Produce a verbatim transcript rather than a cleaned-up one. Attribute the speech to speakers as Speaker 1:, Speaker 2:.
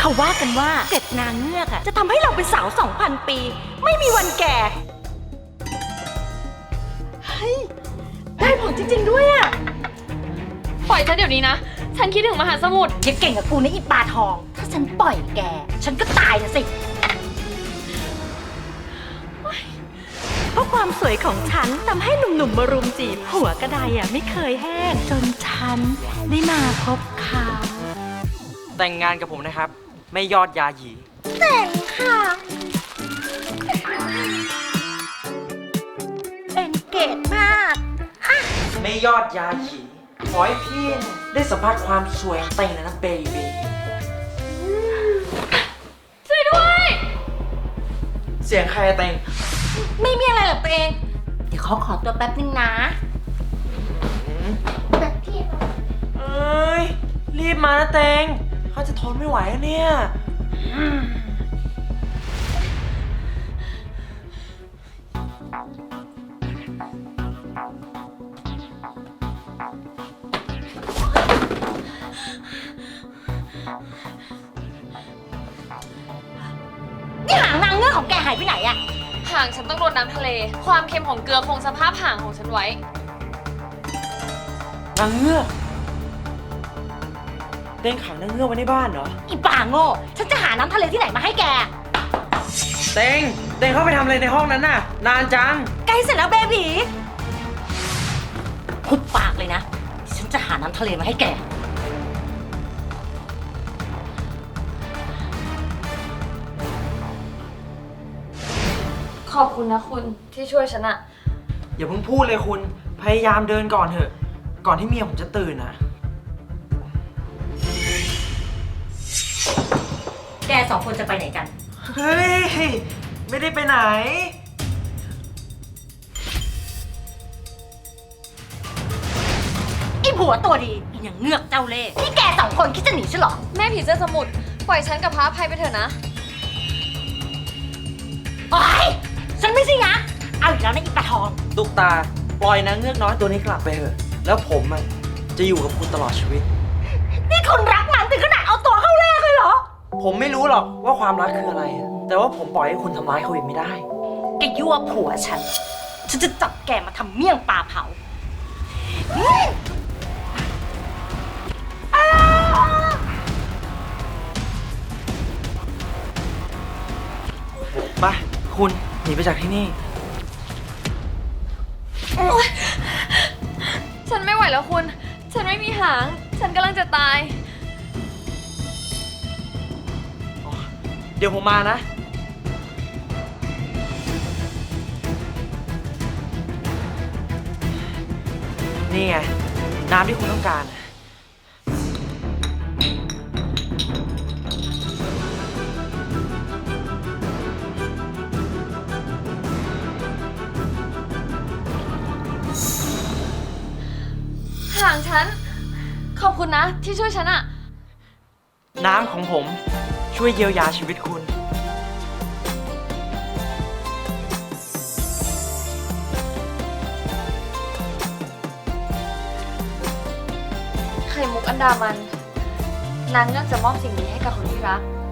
Speaker 1: เขาว่ากันว่าเกล็ดนางเงือกอะจะทำให้เราเป็นสาวสองพันปีไม่มีวันแก่เฮ้ยได้ผลจริงๆด้วยอะ
Speaker 2: ปล่อยฉันเดี๋ยวนี้นะฉันคิดถึงมหาสมุทร
Speaker 1: อย่าเก่งกับกูนะอีปลาทองถ้าฉันปล่อยแกฉันก็ตายนะสิเพราะความสวยของฉันทำให้หนุ่มๆมารุมจีบหัวกระไดอ่ะไม่เคยแห้งจนฉันได้มาพบเขา
Speaker 3: แต่งงานกับผมนะครับไม่ยอดยาหยี
Speaker 1: แต่งค่ะเป็นเกตมาก
Speaker 3: ไม่ยอดยาหยีขอให้พี่ได้สัมผัสความสวยของเต็งนะเบบี
Speaker 2: ช่วยด้วย
Speaker 3: เสียงใครอะเต็ง
Speaker 1: ไม่มีอะไรหรอกตัวเองเดี๋ยวเขาขอตัวแป๊บนึงนะแบบพี่
Speaker 3: เอ้ยรีบมานะเต็งเขาจะทนไม่ไหวแล้วเนี่ย
Speaker 1: นี่หางนางเงือกของแกหายไปไหนอะ
Speaker 2: หางฉันต้องโดนน้ำทะเลความเค็มของเกลือคงสภาพหางของฉันไว้
Speaker 3: นางเงือกเต็งขังนางเงือกไว้ในบ้านเหรอ
Speaker 1: อีป่าโง่ฉันจะหาน้ำทะเลที่ไหนมาให้แก
Speaker 3: เต็งเต็งเข้าไปทำอะไรในห้องนั้นน่ะนานจัง
Speaker 1: ใกล้เสร็จแล้วเบบีพุดปากเลยนะฉันจะหาน้ำทะเลมาให้แก
Speaker 2: ขอบคุณนะคุณที่ช่วยฉันอะ
Speaker 3: อย่าเพิ่งพูดเลยคุณพยายามเดินก่อนเถอะก่อนที่เมียผมจะตื่นนะ
Speaker 1: แกสองคนจะไปไหนกัน
Speaker 3: เฮ้ยไม่ได้ไปไหน
Speaker 1: ไอ้ผัวตัวดีอย่างเงือกเจ้าเล่ห์นี่แกสองคนคิดจะหนีใช่หรอ
Speaker 2: แม่ผีเสื้อสมุทรปล่อยฉันกับพระอภัยไปเถอะนะ
Speaker 1: โอ๊ยฉันไม่ใช่ยักษ์เอาอีกแล้วนะอีปลาทอง
Speaker 3: ตุ๊กตาปล่อยนางเงือกน้อยตัวนี้กลับไปเถอะแล้วผมอ่ะจะอยู่กับคุณตลอดชีวิต
Speaker 1: นี่คุณรักมันถึงขนาดเอาตัวเข้าแลกเลยเหรอ
Speaker 3: ผมไม่รู้หรอกว่าความรักคืออะไรแต่ว่าผมปล่อยให้คุณทำร้ายเขาอีกไม่ได้
Speaker 1: แกยั่วผัวฉันฉันจะจับแกมาทำเมี่ยงปลาเผา
Speaker 3: มาคุณหนีไปจากที่นี่
Speaker 2: ฉันไม่ไหวแล้วคุณฉันไม่มีหางฉันกำลังจะตาย
Speaker 3: เดี๋ยวผมมานะนี่ไงน้ำที่คุณต้องการ
Speaker 2: หางฉันขอบคุณนะที่ช่วยฉันอะ
Speaker 3: น้ำของผมช่วยเยียวยาชีวิตคุณ
Speaker 2: ไข่มุกอันดามันนางเงือกจะมอบสิ่งนี้ให้กับคนที่รัก